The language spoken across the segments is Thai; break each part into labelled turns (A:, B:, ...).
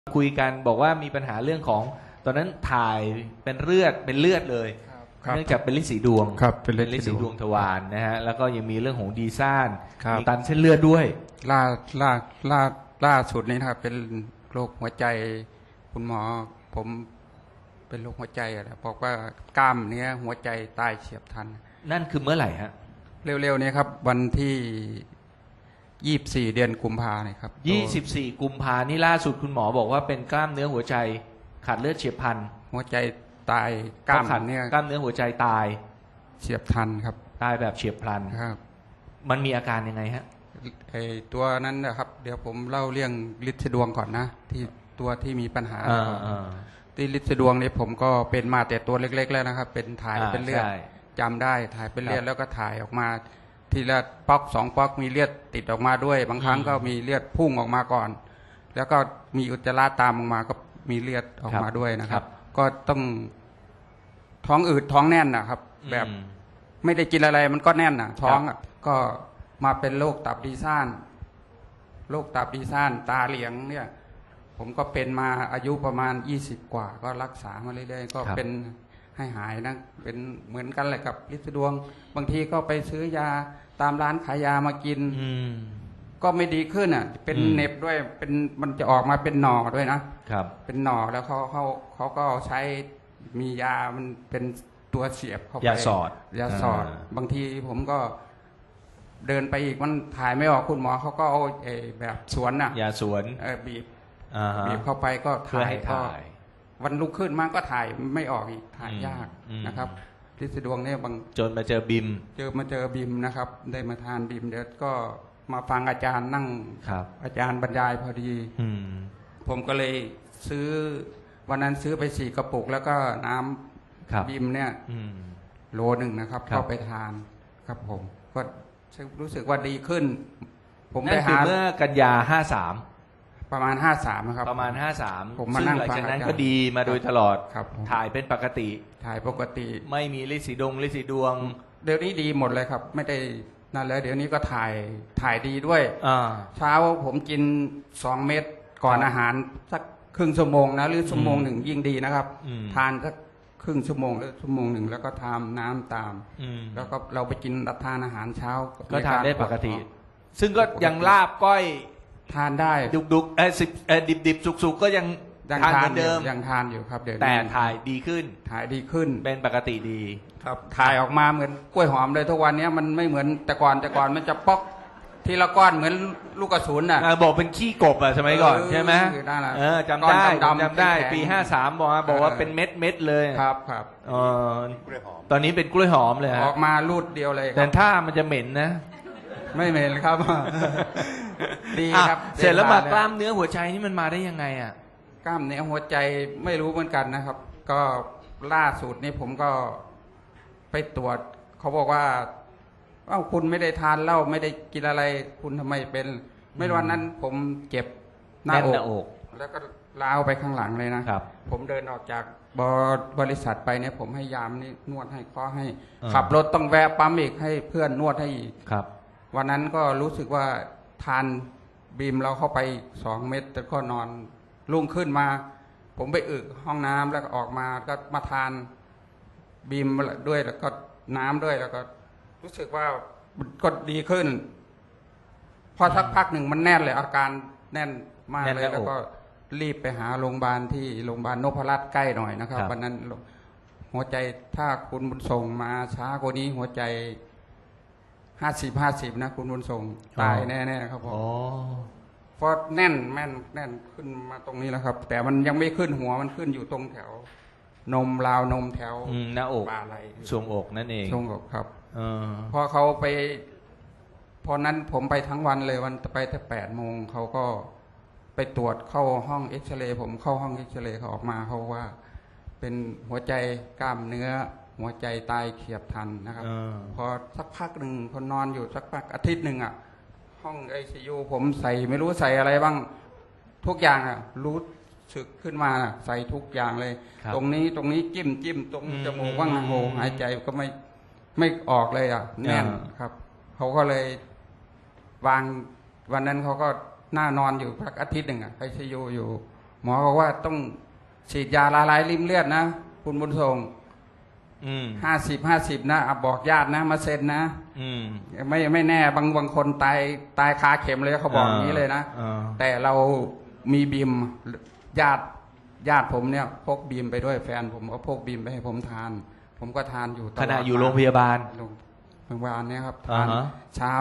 A: คุยกันบอกว่ามีปัญหาเรื่องของตอนนั้นถ่ายเป็นเลือดเลย
B: ครับ
A: เนื่องจากเป็นลิ้นสีดวง
B: ครับเป็นลิ้
A: ลิ้น
B: นสี
A: สี
B: ด
A: ด
B: ว
A: ว
B: ง
A: งทวารนะฮะแล้วก็ยังมีเรื่องของดีซ่าน
B: ครับ
A: มีตันเส้นเลือดด้วย
B: ล่าล่าล่าล่าสุดนี้นะครับเป็นโรคหัวใจคุณหมอผมเป็นโรคหัวใจอะนะบอกว่ากล้ามเนื้อหัวใจตายเฉียบพลัน
A: นั่นคือเมื่อไหร่ฮะ
B: เร็วๆนี้ครับวันที่24 เดือนกุมภาเนี่ยครับ
A: 24 กุมภานี่ล่าสุดคุณหมอบอกว่าเป็นกล้ามเนื้อหัวใจขาดเลือดเฉียบพลัน
B: หัวใจตายกล้ามเนื้อก
A: ล้ามเนื้อหัวใจตาย
B: เฉียบพลันครับ
A: ตายแบบเฉียบพลัน
B: ครับ
A: มันมีอาการยังไงฮะ
B: ไอตัวนั้นนะครับเดี๋ยวผมเล่าเรื่องฤทธิ์ดวงก่อนนะที่ตัวที่มีปัญหาที่ฤทธิ์ดวงนี้ผมก็เป็นมาแต่ตัวเล็กๆแล้วนะครับเป็นถ่ายเป็นเลือดจำได้ถ่ายเป็นเลือดแล้วก็ถ่ายออกมาทีละป๊อก2ป๊อกมีเลือดติดออกมาด้วยบางครั้งก็มีเลือดพุ่งออกมาก่อนแล้วก็มีอุจจาระตามออกมาก็มีเลือดออกมาด้วยนะครับก็ต้องท้องอืดท้องแน่นนะครับแบบไม่ได้กินอะไรมันก็แน่นท้องก็มาเป็นโรคตับดีซ่านตาเหลียงเนี่ยผมก็เป็นมาอายุประมาณ20 กว่าก็รักษามาเรื่อยๆก็เป็นให้หายนะเป็นเหมือนกันแหละกับฤทธิ์ดวงบางทีก็ไปซื้อยาตามร้านขายยามากินก็ไม่ดีขึ้นเป็นเน็บด้วยเป็นมันจะออกมาเป็นหน่อด้วยนะครับเป็นหน่อแล้วเขาก็ใช้มียามันเป็นตัวเสียบเข้าไป
A: ยาสอด
B: บางทีผมก็เดินไปอีกมันถ่ายไม่ออกคุณหมอเขาก็เอาแบบสวน
A: ยาสวน
B: บีบเข้าไปก็ถ่ายวันลุกขึ้นมาก็ถ่ายไม่ออกอีกถ่ายยากนะครับฤทธิ์ดวงเนี่ย
A: จนมาเจอบิม
B: นะครับได้มาทานบิมเดี๋ยวก็มาฟังอาจารย์นั่งอาจารย์บรรยายพอดีผมก็เลยซื้อวันนั้นซื้อไป4 กระปุกแล้วก็น้ำบิมเนี่ยโล 1นะครับเข้าไปทานครับผมก็รู้สึกว่าดีขึ้น
A: ผมไปหาเมื่อกันยา53
B: ประมาณ53นะครับ
A: ประมาณ53
B: ผมมานั่งฟัง
A: อาจารย์ก็ดีมาโดยตลอด
B: ครับ
A: ถ่ายเป็นปกติไม่มีฤทธิ์สีดวง
B: เดี๋ยวนี้ดีหมดเลยครับไม่ได้นั่นแล้วเดี๋ยวนี้ก็ถ่ายดีด้วยเช้าผมกิน2 เม็ดก่อนอาหารสักครึ่งชั่วโมงนะหรือชั่วโมงหนึ่งยิ่งดีนะครับทานสักครึ่งชั่วโมงหรือชั่วโมงหนึ่งแล้วก็ทานน้ำตามแล้วก็เราไปกินรับทานอาหารเช้า
A: ก็ทานได้ปกติซึ่งก็ยังลาบก้อย
B: ทานได้
A: ดุกดิบสุกก็ยังทานเหมือนเดิม
B: ยังทานอยู่ครับเดี๋ยว
A: แต่ถ่ายดีขึ้นเป็นปกติดี
B: ครับถ่ายออกมาเหมือนกล้วยหอมเลยทุกวันนี้มันไม่เหมือนแต่ก่อนมันจะป๊อกทีละก้อนเหมือนลูกกระสุน
A: บอกเป็นขี้กบสมัยก่อนใช่ไหมจำได้ปี53บอกว่าเป็นเม็ดเลย
B: ครับ
A: ตอนนี้เป็นกล้วยหอมเลย
B: ออกมาลูดเดียวเลย
A: แต่ถ้ามันจะเหม็นนะ
B: ไม่เหม็นครับดีครับ
A: เสร็จแล้วมากล้ามเนื้อหัวใจนี่มันมาได้ยังไง
B: กล้ามเนื้อหัวใจไม่รู้เหมือนกันนะครับก็ล่าสุดนี้ผมก็ไปตรวจเขาบอกว่าคุณไม่ได้ทานเหล้าไม่ได้กินอะไรคุณทำไมเป็นไม่วันนั้นผมเจ็บหน้าอกแล้วก็ล้าวไปข้างหลังเลยนะครับผมเดินออกจากบริษัทไปเนี่ยผมให้ยามนี่นวดให้ข้อให้ขับรถต้องแวะปั๊มอีกให้เพื่อนนวดให้อีก
A: ครับ
B: วันนั้นก็รู้สึกว่าทานบีมเราเข้าไป2 เม็ดแต่ก็นอนรุ่งขึ้นมาผมไปอึห้องน้ำแล้วก็ออกมาก็มาทานบีมด้วยแล้วก็น้ำด้วยแล้วก็รู้สึกว่าก็ดีขึ้นพอสักพักหนึ่งมันแน่นเลยอาการแน่นมากเลยแล้วก็รีบไปหาโรงพยาบาลที่โรงพยาบาลนพรัตน์ใกล้หน่อยนะครับวันนั้นหัวใจถ้าคุณบุญส่งมาช้ากว่านี้หัวใจ50 นะคุณบุญส่งตายแน่ๆครับผมเพราะแน่นขึ้นมาตรงนี้แล้วครับแต่มันยังไม่ขึ้นหัวมันขึ้นอยู่ตรงแถวนมราวนมแถว
A: หน้าอก
B: บ่าไหล่
A: ช่วงอกนั่นเอง
B: ช่วงอกครับพอเขาไปพอนั้นผมไปทั้งวันเลยวันไปแต่8 โมงเขาก็ไปตรวจเข้าห้องเอ็กซเรย์ผมเข้าห้องเอ็กซเรย์เขาออกมาเขาว่าเป็นหัวใจกล้ามเนื้อหัวใจตายเฉียบพลันนะครับพอสักพักหนึ่งพอนอนอยู่สักพักอาทิตย์หนึ่งห้องICUผมใส่ไม่รู้ใส่อะไรบ้างทุกอย่างรู้สึกขึ้นมาใส่ทุกอย่างเลยตรงนี้จิ้มตรงจมูกว่างโหหายใจก็ไม่ออกเลยแน่นครับเขาก็เลยวางวันนั้นเขาก็น่านอนอยู่พักอาทิตย์หนึ่งICUอยู่หมอบอกว่าต้องฉีดยาละลายริ่มเลือดนะคุณบุญส่ง50 นะบอกญาตินะมาเซ็นนะไม่แน่บางคนตายคาเข็มเลยเขาบอกอย่างนี้เลยนะแต่เรามีบีมญาติผมเนี่ยพกบีมไปด้วยแฟนผมก็พกบีมไปให้ผมทาน ผมก็ทานอยู่ตลอด
A: ขณะอยู่โรงพยาบาล
B: เนี่ยครับทานเช้า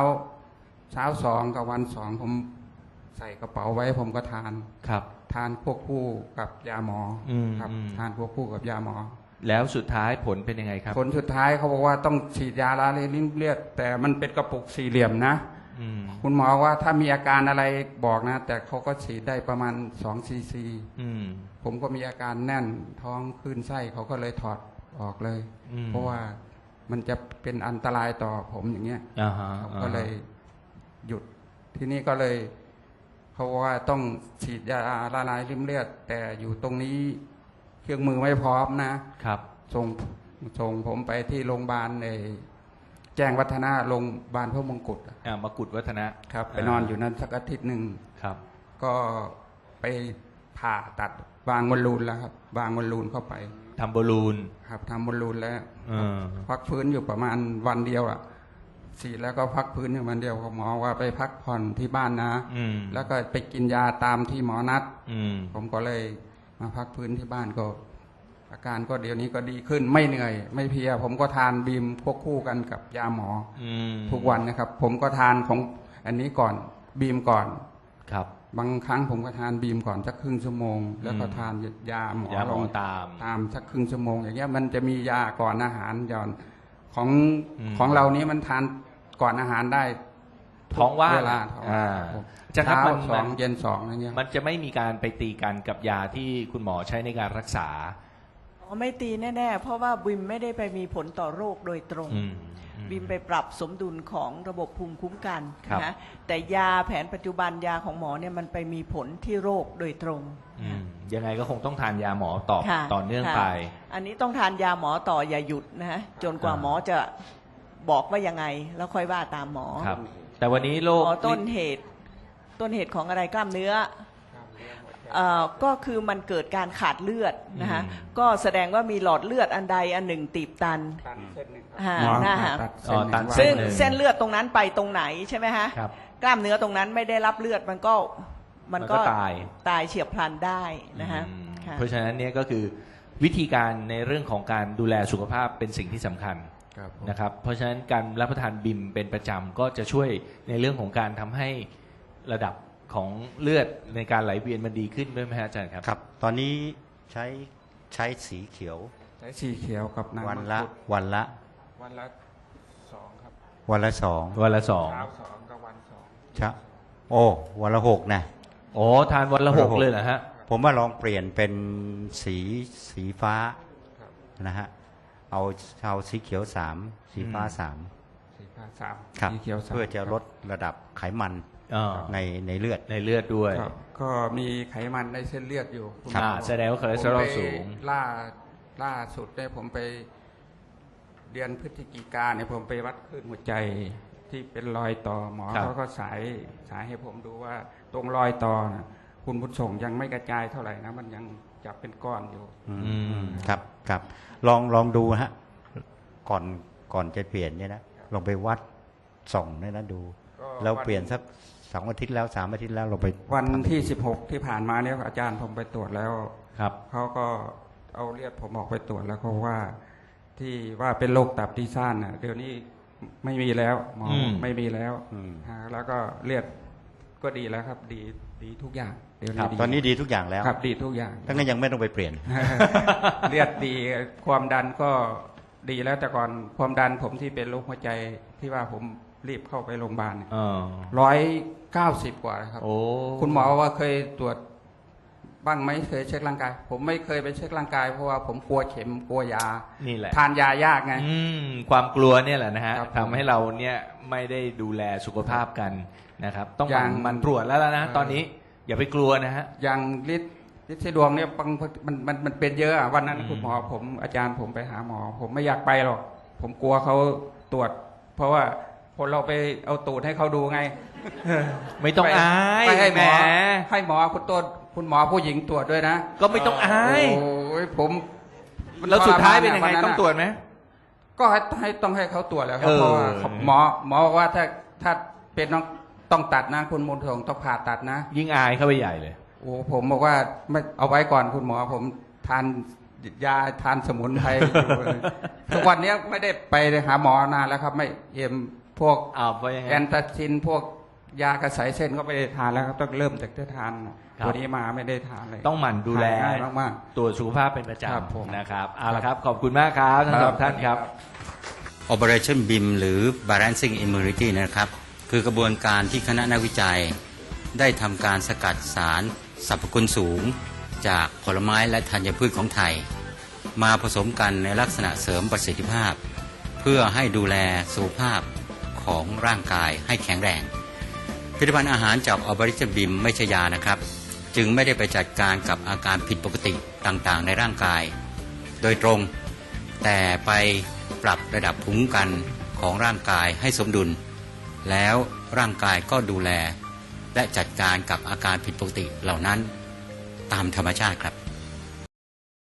B: 2กับวัน2ผมใส่กระเป๋าไว้ผมก็ทาน
A: ครับ
B: ทานควบคู่กับยาหมอครับทานควบคู่กับยาหมอ
A: แล้วสุดท้ายผลเป็นยังไงครับ
B: ผลสุดท้ายเขาบอกว่าต้องฉีดยาละลายริ่มเลือดแต่มันเป็นกระปุกสี่เหลี่ยมนะคุณหมอว่าถ้ามีอาการอะไรบอกนะแต่เขาก็ฉีดได้ประมาณ2 ซีซีผมก็มีอาการแน่นท้องคลื่นไส้เขาก็เลยถอดออกเลยเพราะว่ามันจะเป็นอันตรายต่อผมอย่างเงี้ยก็เลยหยุดที่นี่ก็เลยเขาว่าต้องฉีดยาละลายริ่มเลือดแต่อยู่ตรงนี้เครื่องมือไม่พร้อมนะครับส่งผมไปที่โรงพยาบาลในแจ้งวัฒนะโรงพยาบาลพระมงกุฎ
A: มกุฎวัฒนะครับ
B: ไปนอนอยู่นั้นสักอาทิตย์หนึ่ง
A: ครับ
B: ก็ไปผ่าตัดวางบอลลูนแล้วครับวางบอลลูนเข้าไป
A: ทำบอลลูน
B: ครับทำบอลลูนแล้วพักฟื้นอยู่ประมาณวันเดียวฉีดแล้วก็พักฟื้นอยู่วันเดียวหมอว่าไปพักผ่อนที่บ้านนะแล้วก็ไปกินยาตามที่หมอนัดผมก็เลยมาพักฟื้นที่บ้านก็อาการก็เดี๋ยวนี้ก็ดีขึ้นไม่เหนื่อยไม่เพลียผมก็ทานบีมควบคู่กันกับยาหมอทุกวันนะครับผมก็ทานของอันนี้ก่อนบีมก่อน
A: ครับ
B: บางครั้งผมก็ทานบีมก่อนสักครึ่งชั่วโมงแล้วก็ทานยาหมอลงตามสักครึ่งชั่วโมงอย่างเงี้ยมันจะมียาก่อนอาหารย้อนของเรานี้มันทานก่อนอาหารได้
A: ท้องว่าง
B: เวลา
A: เช้า
B: 2เย็น2อะไรเงี้ย
A: มันจะไม่มีการไปตีกันกับยาที่คุณหมอใช้ในการรักษา
C: ไม่ตีแน่ๆเพราะว่าบิมไม่ได้ไปมีผลต่อโรคโดยตรงบิมไปปรับสมดุลของระบบภูมิคุ้มกันนะแต่ยาแผนปัจจุบันยาของหมอเนี่ยมันไปมีผลที่โรคโดยตรง
A: ยังไงก็คงต้องทานยาหมอต่อเนื่องไป
C: อันนี้ต้องทานยาหมอต่ออย่าหยุดนะฮะจนกว่าหมอจะบอกว่ายังไงแล้วค่อยว่าตามหมอ
A: ครับแต่วันนี้โรค
C: ต้นเหตุของอะไรกล้ามเนื้อก็คือมันเกิดการขาดเลือดนะฮะก็แสดงว่ามีหลอดเลือดอันใดอันหนึ่งตีบตันนะฮะซึ่งเส้นเลือดตรงนั้นไปตรงไหนใช่ไหมฮะกล้ามเนื้อตรงนั้นไม่ได้รับเลือดมันก็ตายเฉียบพลันได้นะฮะ
A: เพราะฉะนั้นเนี่ยก็คือวิธีการในเรื่องของการดูแลสุขภาพเป็นสิ่งที่สำคัญนะครับเพราะฉะนั้นการรับประทานบิมเป็นประจำก็จะช่วยในเรื่องของการทำให้ระดับของเลือดในการไหลเวียนมันดีขึ้นด้วยไหมฮะอาจารย์ครับ
D: ครับตอนนี้ใช้สีเขียว
B: ใช้สีเขียวกับน้ำ
D: วันละ
B: 2ครับ
D: วันละ2
A: วันละ2
B: เช้า2กับวัน2
D: ใช่โอ้วันละ6นะ
A: โอ้ทานวันละ6เลยเหรอฮะ
D: ผมว่าลองเปลี่ยนเป็นสีฟ้านะฮะเอาสีเขียว3สีฟ้า3ครับเพื่อจะลดระดับไขมันในเลื
A: อดด้วย
B: ก็มีไขมันในเส้นเลือดอยู่
A: แสดงว่าคอเลสเตอรอลสูง
B: ล่าสุดได้ผมไปเดือนพฤศจิกาเนี่ยผมไปวัดคลื่นหัวใจที่เป็นรอยต่อหมอเขาก็สายให้ผมดูว่าตรงรอยต่อนะคุณบุญส่งยังไม่กระจายเท่าไหร่นะมันยังจับเป็นก้อนอยู่
D: ครับลองดูฮะก่อนจะเปลี่ยนเนี่ยนะลองไปวัดส่องเนี่ยนะดูแล้วเปลี่ยนสัก2 อาทิตย์แล้ว3 อาทิตย์แล้วเราไป
B: วันที่16ที่ผ่านมาเนี่ยอาจารย์ผมไปตรวจแล้ว
A: ครับ
B: เขาก็เอาเลือดผมออกไปตรวจแล้วเขาว่าที่ว่าเป็นโรคตับที่ซ่านน่ะเดี๋ยวนี้ไม่มีแล้วหมอไม่มีแล้วแล้วก็เลือดก็ดีแล้วครับดีทุกอย่าง
D: เดี๋ยวนี้ตอนนี้ดีทุกอย่างแล้ว
B: ครับดีทุกอย่าง
D: ทั้งนั้นยังไม่ต้องไปเปลี่ยน
B: เลือดดีความดันก็ดีแล้วแต่ก่อนความดันผมที่เป็นโรคหัวใจที่ว่าผมรีบเข้าไปโรงพยาบาล190 กว่าครับคุณหมอว่าเคยตรวจบ้างไหมเคยเช็คร่างกายผมไม่เคยไปเช็คร่างกายเพราะว่าผมกลัวเข็มกลัวยา
A: นี่แหละ
B: ทานยายากไง
A: ความกลัวเนี่ยแหละนะฮะทำให้เราเนี่ยไม่ได้ดูแลสุขภาพกันนะครับต้องมันตรวจแล้วนะตอนนี้อย่าไปกลัวนะฮะ
B: อย่างฤทธิ์ดวงเนี่ยมันเป็นเยอะวันนั้นคุณหมอผมอาจารย์ผมไปหาหมอผมไม่อยากไปหรอกผมกลัวเขาตรวจเพราะว่าคนเราไปเอาตูดให้เขาดูไง
A: ไม่ต้องอาย
B: ให้หมอคุณคุณหมอผู้หญิงตรวจด้วยนะ
A: ก็ไม่ต้องอาย
B: โอ้ยผม
A: แล้วสุดท้ายเป็นยังไง
B: วั
A: ต้องตรวจไหม
B: ก็ต้องให้เขาตรวจแล้วครับ
A: เออ
B: เพราะว่าหมอบอกว่าถ้าเป็นต้องตัดนะคุณมนต์ทองต้องผ่าตัดนะ
A: ยิ่งอายเข้าไปใหญ่เลย
B: โอ้ผมบอกว่าไม่เอาไว้ก่อนคุณหมอผมทานยาทานสมุนไพรอยู่เลยทุกวันนี้ไม่ได้ไปหาหมอนานแล้วครับ ไม่พวก
A: เพราะยังไง
B: แอนตาซินพวกยากระสายเส้นก็ไม่ได้ทานแล้วครับต้องเริ่มจากที่ทาน
A: ครับ
B: ตัวนี้มาไม่ได้ทานเลย
A: ต้องหมั่นดูแล
B: หายง่ายมาก
A: ตรวจสุขภาพเป็นประจ
B: ครับผม
A: ำนะครับเอาละครับขอบคุณมากครับทั้งสองท่านครับ
D: Operation BIM หรือ Balancing Immunity นะครับคือกระบวนการที่คณะนักวิจัยได้ทำการสกัดสารสรรพคุณสูงจากผลไม้และธัญพืชของไทยมาผสมกันในลักษณะเสริมประสิทธิภาพเพื่อให้ดูแลสุขภาพของร่างกายให้แข็งแรงผลิตภัณฑ์อาหารจาก Operation BIM ไม่ใช่ยานะครับจึงไม่ได้ไปจัดการกับอาการผิดปกติต่างๆในร่างกายโดยตรงแต่ไปปรับระดับภูมิคุ้มกันของร่างกายให้สมดุลแล้วร่างกายก็ดูแลและจัดการกับอาการผิดปกติเหล่านั้นตามธรรมชาติครับ